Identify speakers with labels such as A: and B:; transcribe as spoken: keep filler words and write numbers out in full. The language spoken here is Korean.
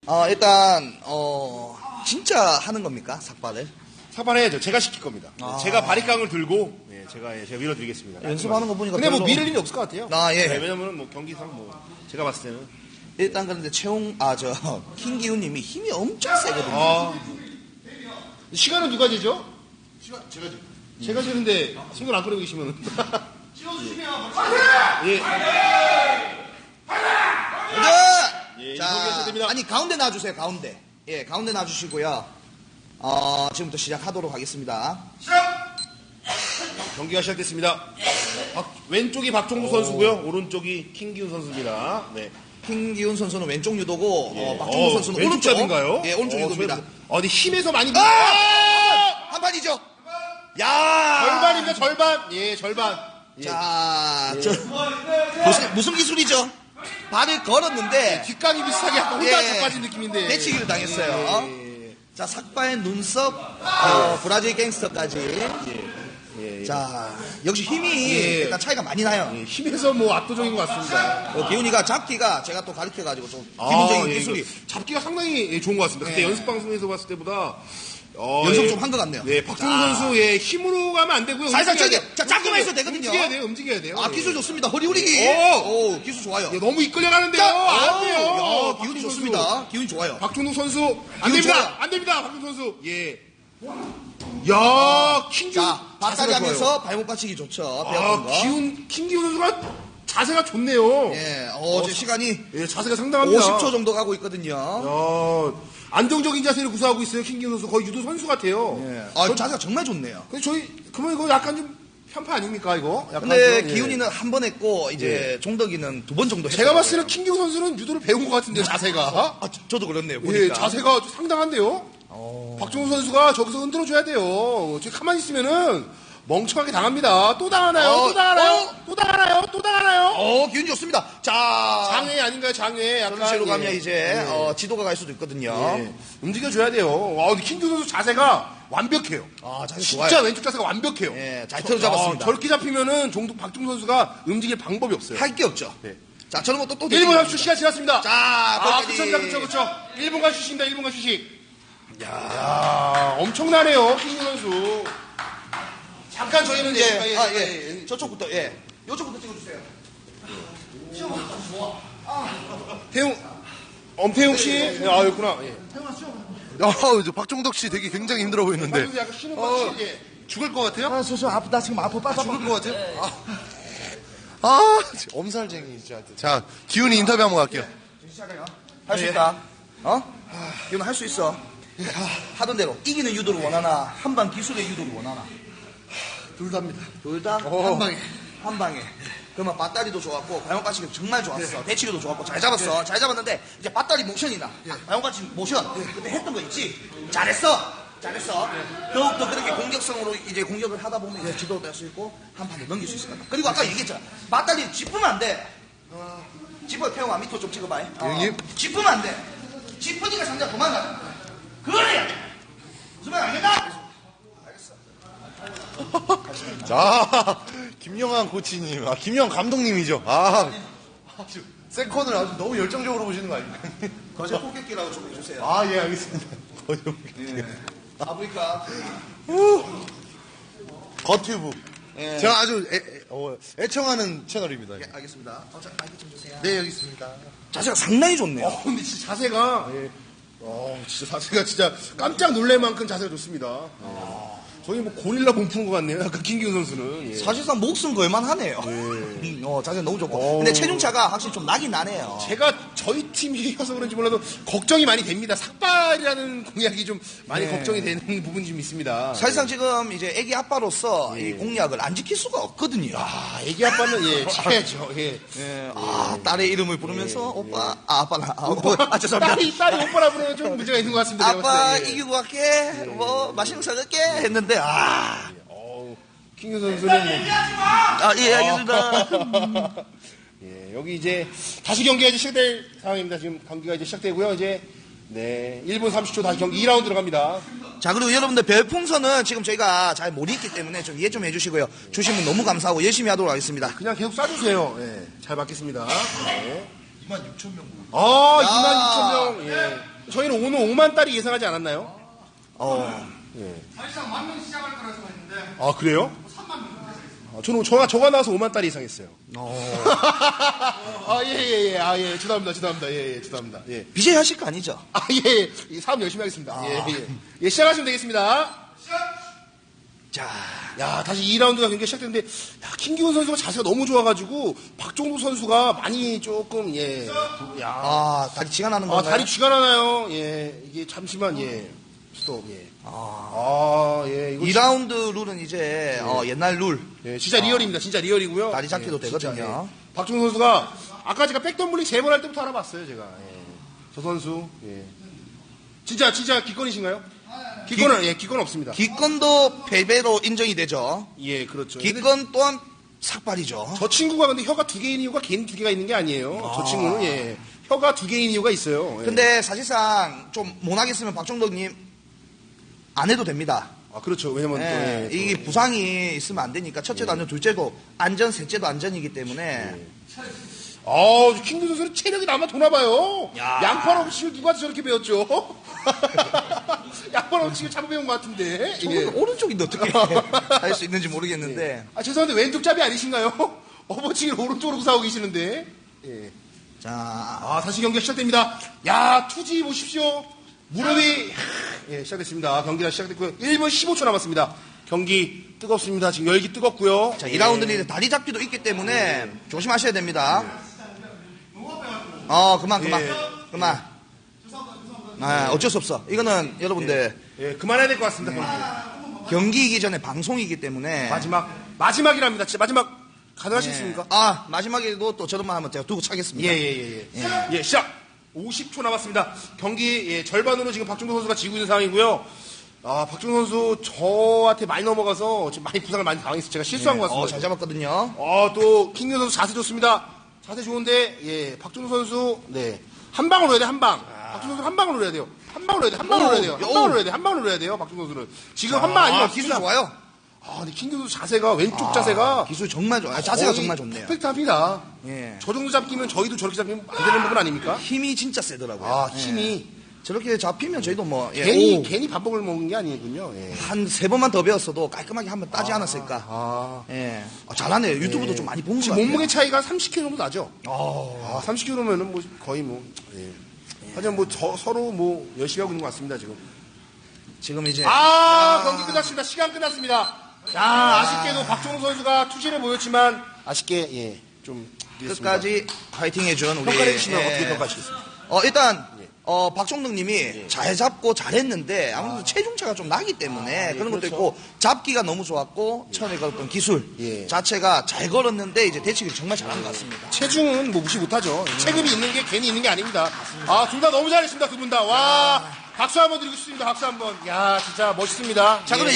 A: 어, 일단, 어, 진짜 하는 겁니까? 삭발을?
B: 삭발해야죠. 제가 시킬 겁니다.
A: 아.
B: 제가 바리깡을 들고, 예, 제가, 예, 제가 밀어드리겠습니다.
A: 연습하는 거 보니까.
B: 근데 뭐
A: 별로-
B: 밀을 일이 없을 것 같아요.
A: 아, 예.
B: 네, 왜냐면은 뭐 경기상 뭐, 제가 봤을 때는.
A: 일단 그런데 채용, 아, 저, 킹기훈 님이 힘이 엄청 세거든요.
B: 아. 시간은 누가 재죠? 시간, 제가 재. 제가 재는데, 신경 안 끄고 계시면은. 찍어주시면, 예. 예, 이동규 선수입니다.
A: 아니, 가운데 놔주세요, 가운데. 예, 가운데 놔주시고요. 어, 지금부터 시작하도록 하겠습니다.
B: 경기가 시작됐습니다. 박- 왼쪽이 박종구 선수고요. 오른쪽이 킹기훈 선수입니다. 네.
A: 킹기훈 선수는 왼쪽 유도고, 어, 박종우
B: 어,
A: 선수는
B: 왼쪽
A: 오른쪽.
B: 잡인가요?
A: 예, 오른쪽
B: 어,
A: 유도입니다.
B: 저- 어, 근데 힘에서 많이.
A: 아!
B: 아!
A: 한 판이죠? 야!
B: 절반입니다, 절반. 예, 절반. 예.
A: 자, 저, 무슨, 무슨 기술이죠? 발을 걸었는데,
B: 뒷강이 비슷하게 약간 혼자
A: 예.
B: 자빠진 느낌인데.
A: 내치기를 당했어요.
B: 예,
A: 자, 삭바의 눈썹, 어, 브라질 갱스터까지.
B: 예, 예.
A: 자, 역시 힘이
B: 예.
A: 일단 차이가 많이 나요.
B: 예, 힘에서 뭐 압도적인 것 같습니다.
A: 어, 기훈이가 잡기가 제가 또 가르쳐가지고 좀
B: 아,
A: 기본적인
B: 예,
A: 기술이
B: 이거 잡기가 상당히 예, 좋은 것 같습니다. 그때
A: 예.
B: 연습 방송에서 봤을 때보다 어,
A: 연습
B: 예.
A: 좀 한 것 같네요.
B: 네, 박종훈
A: 자.
B: 선수 예, 힘으로 가면 안 되고요.
A: 살살
B: 움직여야
A: 쳐야
B: 돼요.
A: 자, 잡기만 해도 되거든요.
B: 움직여야 돼요. 움직여야 돼요.
A: 아,
B: 예.
A: 기술 좋습니다. 허리 후리기.
B: 오!
A: 오, 기술 좋아요.
B: 예, 너무 이끌려가는데요.
A: 자,
B: 안 돼요.
A: 야,
B: 박종훈
A: 기훈이
B: 선수.
A: 좋습니다. 기훈이 좋아요.
B: 박종훈 선수 안
A: 기훈
B: 됩니다.
A: 좋아요.
B: 안 됩니다. 박종훈 선수. 예. 야, 킹기훈
A: 자, 바다리
B: 자세가 좋아요.
A: 하면서 발목 받치기 좋죠. 배웠던
B: 아,
A: 거.
B: 기훈 킹기훈 선수가 자세가 좋네요.
A: 예, 어, 제 시간이
B: 예, 자세가 상당합니다.
A: 오십 초 정도 가고 있거든요.
B: 야, 안정적인 자세를 구사하고 있어요. 킹기훈 선수 거의 유도 선수 같아요.
A: 예. 아, 자세가 정말 좋네요.
B: 근데 저희 그러면 이거 약간 좀 편파 아닙니까 이거? 약간
A: 근데
B: 좀, 예.
A: 기훈이는 한 번 했고 이제 종덕이는 두 번 정도 했어요.
B: 제가 봤을 때는 킹기훈 선수는 유도를 배운 것 같은데요, 자세가.
A: 아, 저, 도 그렇네요. 보니까.
B: 예, 자세가 상당한데요.
A: 어.
B: 박종훈 선수가 저기서 흔들어줘야 돼요. 지금 가만히 있으면은 멍청하게 당합니다. 또 당하나요?
A: 어,
B: 또 당하나요?
A: 어.
B: 또 당하나요? 또 당하나요?
A: 어, 기훈이 좋습니다. 자,
B: 장애 아닌가요? 장애. 약간
A: 전시로
B: 예.
A: 가면 이제
B: 예.
A: 어, 지도가 갈 수도 있거든요.
B: 예. 움직여줘야 돼요. 와, 근데 킹기훈 선수 자세가 완벽해요.
A: 아, 자세
B: 진짜
A: 좋아요.
B: 왼쪽 자세가 완벽해요.
A: 예, 잘 틀어 잡았습니다.
B: 아, 저렇게 잡히면은 종국 박종훈 선수가 움직일 방법이 없어요.
A: 할 게 없죠.
B: 네.
A: 자, 저런 것도 또
B: 일 분
A: 되게
B: 삼십 초 시간 지났습니다.
A: 자,
B: 아,
A: 거기까지.
B: 그쵸, 그쵸, 그쵸. 일 분간 휴식입니다. 일 분간 휴식. 야, 엄청나네요, 킹기훈 선수. 잠깐 저희는
A: 예,
B: 예,
A: 아,
B: 예,
A: 예.
B: 예.
A: 저쪽부터, 예. 요쪽부터 찍어주세요.
B: 태용, 엄태용 씨. 예, 아, 였구나. 예.
C: 아, 저 박종덕 씨 되게 굉장히 힘들어 보이는데.
B: 박종훈 약간 쉬는 것 같이, 예.
C: 죽을 것 같아요?
A: 아, 소소 아프다. 지금 아파. 빠져.
C: 죽을 것 같아요? 아, 아, 엄살쟁이 진짜. 자, 기훈이 인터뷰 한번 갈게요.
A: 할 수 있다. 어? 이건 할 수 있어. 하던 대로 이기는 유도를 원하나 한방 기술의 유도를 원하나
C: 둘 다입니다.
A: 둘 다 한 방에 한 방에. 그러면 밧다리도 좋았고 발목 받치기도 정말 좋았어. 대치기도 좋았고 잘 잡았어. 잘 잡았는데 이제 밧다리 모션이나 발목 받치기 모션 그때 했던 거 있지. 잘했어. 잘했어. 더욱더 그렇게 공격성으로 이제 공격을 하다 보면 이제 지도도 할 수 있고 한 판을 넘길 수 있을 것 같다. 그리고 아까 얘기했잖아. 밧다리 짚으면 안 돼. 짚어 태용아 밑으로 좀 찍어봐. 어.
C: 형님.
A: 짚으면 안 돼. 짚으니까 상대가 도망가잖아. 그래야 돼. 무슨 말 알겠나?
C: 자, 김영환 코치님, 아, 김영환 감독님이죠. 아, 아주 세컨을 아주 너무 열정적으로 보시는 거 아닙니까?
A: 거제 폭격기라고 좀 해주세요.
C: 아, 예, 알겠습니다. 거죠.
A: 아프리카.
C: 거튜브.
A: 예.
C: 제가 아주 애, 애, 어, 애청하는 채널입니다.
A: 예, 알겠습니다. 어, 자, 마이크 좀 주세요.
C: 네, 여기 있습니다.
A: 자세가 상당히 좋네요.
B: 어, 근데 진짜 자세가, 예. 어, 진짜 자세가 진짜 깜짝 놀랄 만큼 자세가 좋습니다. 저희 뭐 고릴라 몸 푸는 것 같네요. 약간 김기훈 선수는. 예.
A: 사실상 목숨 걸만 하네요. 음, 어, 자세 너무 좋고.
B: 어.
A: 근데 체중차가 확실히 좀 나긴 나네요.
B: 제가 저희 팀이어서 그런지 몰라도 걱정이 많이 됩니다. 삭발이라는 공약이 좀 많이
A: 네.
B: 걱정이 되는 부분이 좀 있습니다.
A: 사실상 지금 이제 애기 아빠로서 이 공약을 안 지킬 수가 없거든요.
B: 아, 애기 아빠는 예, 지켜야죠. 예.
A: 예, 아, 딸의 이름을 부르면서 오빠, 아, 아빠나, 아, 오빠, 아, 죄송합니다.
B: 딸이, 딸이 오빠라 부르면 좀 문제가 있는 것 같습니다. 제가
A: 아빠
B: 봤을 때. 예.
A: 이기고 갈게, 뭐, 맛있는 거 사줄게 했는데, 아,
B: 어우, 킹규 선수는 뭐,
A: 아, 예, 알겠습니다.
B: 예, 여기 이제 다시 경기가 이제 시작될 상황입니다. 지금 경기가 이제 시작되고요. 이제 네, 일 분 삼십 초 다시 경기 이 라운드로 갑니다.
A: 자, 그리고 여러분들 별풍선은 지금 저희가 잘 못 읽기 때문에 좀 이해 좀 해주시고요. 주신 분 너무 감사하고 열심히 하도록 하겠습니다.
B: 그냥 계속 쏴주세요. 예, 잘 받겠습니다. 네.
C: 이만 육천 명.
B: 아,
A: 야.
B: 이만 육천 명. 예. 저희는 오늘 오만 달이 예상하지 않았나요?
A: 어.
D: 사실상 만 명 시작할 거라 생각했는데
B: 아, 그래요?
D: 삼만 명
B: 아, 저는 저가, 저가 나와서 오만 달이 예상했어요.
A: 어.
B: 아, 예, 예, 예. 아, 예. 죄송합니다. 죄송합니다. 예, 예. 죄송합니다. 예.
A: 비제이 하실 거 아니죠?
B: 아, 예, 예. 사업 열심히 하겠습니다. 예, 예. 예, 시작하시면 되겠습니다.
A: 자.
B: 야, 다시 이 라운드가 경기가 시작됐는데, 야, 김기훈 선수가 자세가 너무 좋아가지고, 박종도 선수가 많이 조금, 예. 야.
A: 아, 다리 쥐가 나는
B: 아,
A: 건가요?
B: 다리 쥐가 나나요? 예. 이게 잠시만, 예. 스톱, 예. 아, 예. 이거
A: 이 라운드 룰은 이제 어, 옛날 룰.
B: 예, 진짜 리얼입니다. 진짜 리얼이고요.
A: 다리 잡기도
B: 예, 진짜,
A: 되거든요.
B: 예. 박종도 선수가, 아까 제가 백덤블링 세 번 할 때부터 알아봤어요, 제가. 예. 저 선수, 예. 진짜, 진짜 기권이신가요? 기권은, 예, 기권 없습니다.
A: 기권도 패배로 인정이 되죠.
B: 예, 그렇죠.
A: 기권 또한 삭발이죠.
B: 저 친구가 근데 혀가 두 개인 이유가 개인 두 개가 있는 게 아니에요. 저 친구는, 예. 혀가 두 개인 이유가 있어요. 예.
A: 근데 사실상 좀 못하겠으면 박종덕님 안 해도 됩니다.
B: 아, 그렇죠. 왜냐면 또,
A: 예,
B: 예, 또,
A: 이게 부상이 있으면 안 되니까 첫째도 안전, 둘째도 안전, 셋째도 안전이기 때문에
B: 아, 킹규 선수는 체력이 남아 도나봐요.
A: 야.
B: 양팔 없이를 누가 저렇게 배웠죠? 양팔 없이를 잡아 배운 것 같은데.
A: 저는
B: 예.
A: 오른쪽인데 어떻게 할 수 있는지 모르겠는데
B: 아, 죄송한데 왼쪽잡이 아니신가요? 어버치기를 오른쪽으로 구사하고 계시는데. 예.
A: 자,
B: 아, 다시 경기가 시작됩니다. 야, 투지 보십시오. 무릎이, 예, 시작됐습니다. 경기가 시작됐고요. 일 분 십오 초 남았습니다. 경기 뜨겁습니다. 지금 열기 뜨겁고요.
A: 자, 이 라운드는 이제 다리 잡기도 있기 때문에 조심하셔야 됩니다. 어, 그만, 그만,
B: 예.
A: 그만. 아, 어쩔 수 없어. 이거는 여러분들
B: 예, 그만해야 될 것 같습니다. 경기.
A: 경기이기 전에 방송이기 때문에
B: 마지막, 마지막이랍니다. 진짜 마지막 가능하시겠습니까?
A: 아, 마지막에도 또 저런만 하면 제가 두고 차겠습니다.
B: 예, 예, 예, 예. 예, 시작! 오십 초 남았습니다. 경기, 예, 절반으로 지금 박종도 선수가 지고 있는 상황이고요. 아, 박종도 선수 저한테 많이 넘어가서 지금 많이 부상을 많이 당했어요. 제가 실수한 것
A: 어,
B: 같습니다.
A: 잘 잡았거든요.
B: 아, 또, 킹규 선수 자세 좋습니다. 자세 좋은데, 예, 박종도 선수, 네. 한 방으로 해야 돼, 한 방. 박종도 선수 한 방으로 해야 돼요. 한 방으로 해야 돼, 한 방으로 해야 돼요. 한 방으로 해야 돼, 한 방으로 해야 돼요, 박종도 선수는. 지금 한 방 아니면
A: 아, 기술 좋아요.
B: 아, 근데 킹규 선수 자세가, 왼쪽 자세가.
A: 기술 정말 좋아요. 자세가
B: 거의
A: 정말 좋네요.
B: 퍼펙트합니다.
A: 예.
B: 저 정도 잡기면 저희도 저렇게 잡히면 안 되는 부분 아닙니까?
A: 힘이 진짜 세더라고요.
B: 아,
A: 예.
B: 힘이.
A: 저렇게 잡히면 저희도 뭐 예,
B: 괜히,
A: 오,
B: 괜히 반복을 먹은 게 아니군요. 예.
A: 한 세 번만 더 배웠어도 깔끔하게 한번 따지 않았을까.
B: 아.
A: 예. 아, 잘하네요. 유튜브도 좀 많이 본 것
B: 지금
A: 같아요.
B: 몸무게 차이가 삼십 킬로그램 정도 나죠?
A: 아,
B: 아, 삼십 킬로그램면은 뭐 거의 뭐, 예. 하지만 뭐 저, 서로 뭐 열심히 하고 있는 것 같습니다, 지금.
A: 지금 이제
B: 아, 경기 끝났습니다. 시간 끝났습니다. 야, 아쉽게도 박종우 선수가 투지를 보였지만, 아쉽게, 예, 좀. 이랬습니다.
A: 끝까지 파이팅 해준 우리
B: 평가해 주시면
A: 예.
B: 어떻게 평가하시겠습니까?
A: 어, 일단 어, 박종덕님이 잘 잡고 잘했는데 아무래도 체중차가 좀 나기 때문에 그런 것도
B: 그렇죠.
A: 있고 잡기가 너무 좋았고 처음에 걸었던 기술
B: 예.
A: 자체가 잘 걸었는데 이제 대치기를 정말 잘한 것 같습니다.
B: 체중은 뭐 무시 못하죠. 체급이 있는 게 괜히 있는 게 아닙니다. 아, 둘 다 너무 잘했습니다, 두 분 다. 와, 박수 한번 드리고 싶습니다, 박수 한 번. 야, 진짜 멋있습니다.
A: 자, 그럼
B: 예.